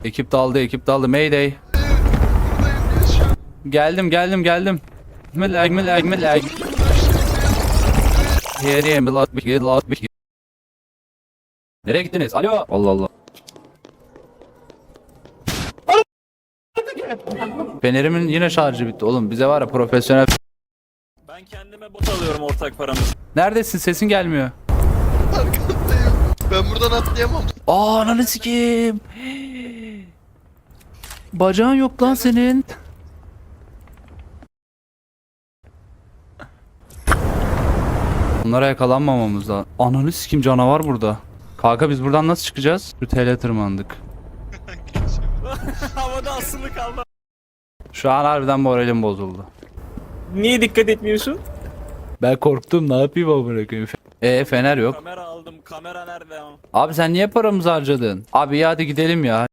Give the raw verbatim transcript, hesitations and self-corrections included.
Ekip daldı, ekip daldı. Mayday. Geldim, geldim, geldim. Melag, melag, melag. Yeriye milat bir milat bir. Nereye gittiniz? Alo. Allah Allah. Fenerimin yine şarjı bitti oğlum. Bize var ya profesyonel. Ben kendime bot alıyorum ortak paramı. Neredesin? Sesin gelmiyor. Arkandayım. Ben buradan atlayamam. Aa, ananı sikeyim. Bacağın yok lan senin. Bunlara yakalanmamamız lazım. Ananı sikeyim, canavar burada. Kanka biz buradan nasıl çıkacağız? Şu tele tırmandık. Havada asılı kaldı. Şu an harbiden moralim bozuldu. Niye dikkat etmiyorsun? Ben korktum, ne yapayım amına koyayım. Ee fener yok. Kamera aldım. Kamera nerede ama? Abi sen niye paramızı harcadın? Abi ya hadi gidelim ya.